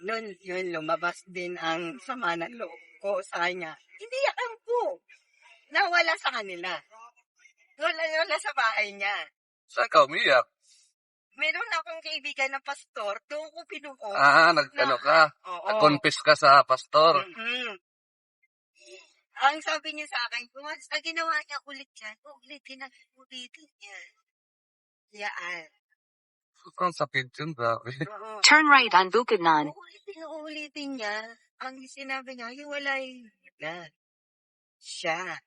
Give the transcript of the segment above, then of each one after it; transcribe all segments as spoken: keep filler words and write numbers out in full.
Nun, yun, lumabas din ang sama ng loob ko sa kanya. Hindi yan po. Nawala sa kanila. Wala, wala sa bahay niya. Saan ka umiyak? Meron akong kaibigan na pastor, doon ko pinuko. Ah, nag-ano ka? Oo. Nag-confess ka sa pastor. Mm-hmm. Ang sabi niya sa akin, kung sa ginawa niya ulit yan, ulitin na ulitin niya. Yan. Sobrang sakit yun, grabe. Oo. Turn right on Bukidnon. Uulitin, uulitin niya. Ang sinabi niya, hiwalay na siya.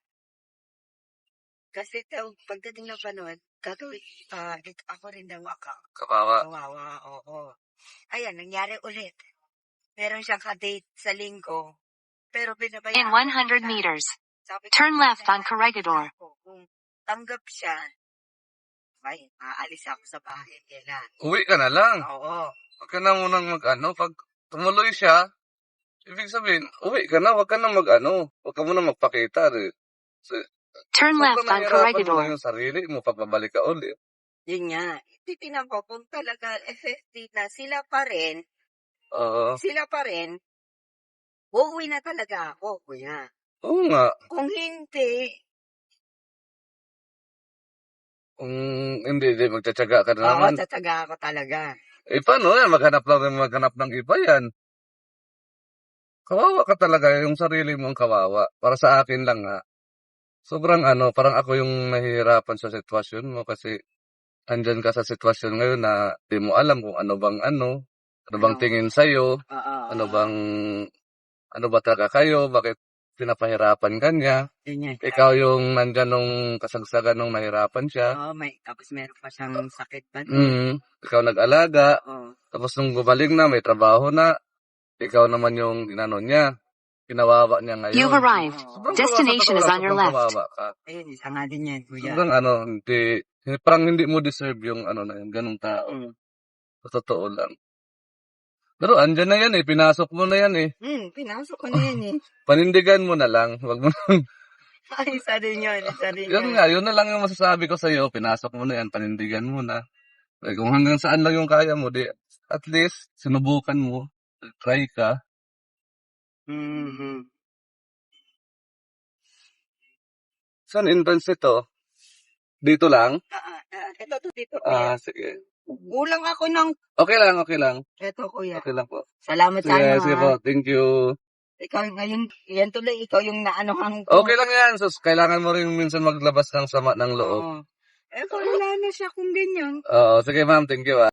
Kasi daw, pagdating ng panahon, gagawin, uh, ako rin daw ako. Kawawa. Kawawa, oo. Ayan, nangyari ulit. Meron siyang ka-date sa linggo. Pero binabayaan. In one hundred meters, Sabi ko, turn left on Corregidor. kung tanggap siya, ay, aalis ako sa bahay nila. Uwi ka na lang. Oo. Huwag ka na munang mag-ano. Pag tumuloy siya, ibig sabihin, uwi ka na, huwag ka na mag-ano. Huwag ka muna magpakita. Eh. So, turn left on Corregidor. Mo yung sarili mo, papabalik ka ulit. Yun nga. Titinan ko kung talaga effective na sila pa rin, Oo. sila pa rin, uuwi na talaga ako, kuya. Oo nga. Kung hindi, Kung hindi, di, magtsatsaga ka na oo, naman. tatsaga ako talaga. Eh, paano yan? Maghanap lang rin maghanap ng iba yan. Kawawa ka talaga, yung sarili mong kawawa. Para sa akin lang ha. Sobrang ano, parang ako yung nahihirapan sa sitwasyon mo kasi andyan ka sa sitwasyon ngayon na di mo alam kung ano bang ano, ano bang Ano? tingin sa'yo, Oo. ano bang, ano ba talaga kayo, bakit pinapahirapan ka niya. Yun nga. Ikaw yung nandyan nung kasagsagan nung nahirapan siya. Oo, may, tapos meron pa siyang sakit pa. Mm, ikaw nag-alaga, Oo. tapos nung gumaling na, may trabaho na, ikaw naman yung inano niya, kinawawa niya ngayon. You've arrived. Sobrang Destination kawawa, is on your sobrang left. kawawa ka. Ayun, isa nga din yan, kuya. Sobrang ano, hindi, parang hindi mo deserve yung ano na yun, ganung tao. Mm. Sa totoo lang. Pero andyan na yan eh, pinasok mo na yan eh. Hmm, pinasok ko na yan eh. Panindigan mo na lang, wag mo nang... Ay, isa din yun, isa din Yun yun. nga, yun na lang yung masasabi ko sa'yo, pinasok mo na yan, panindigan mo na. Eh, kung hanggang saan lang yung kaya mo, di, at least, sinubukan mo, try ka. Mm-hmm. Saan entrance ito? Dito lang? Ah, ah, ito to dito, Ah, kuya. sige. Kulang ako ng... Okay lang, okay lang. Ito, kuya. Okay lang po. Salamat sa Sige, ano, sige ha. po, thank you. Ikaw ngayon, yan tuloy, ikaw yung naanohan ko. Okay lang yan, sus, kailangan mo rin minsan maglabas ng sama ng loob. Oo. Eh, kung wala na siya kung ganyan. Oo, sige ma'am, thank you ah.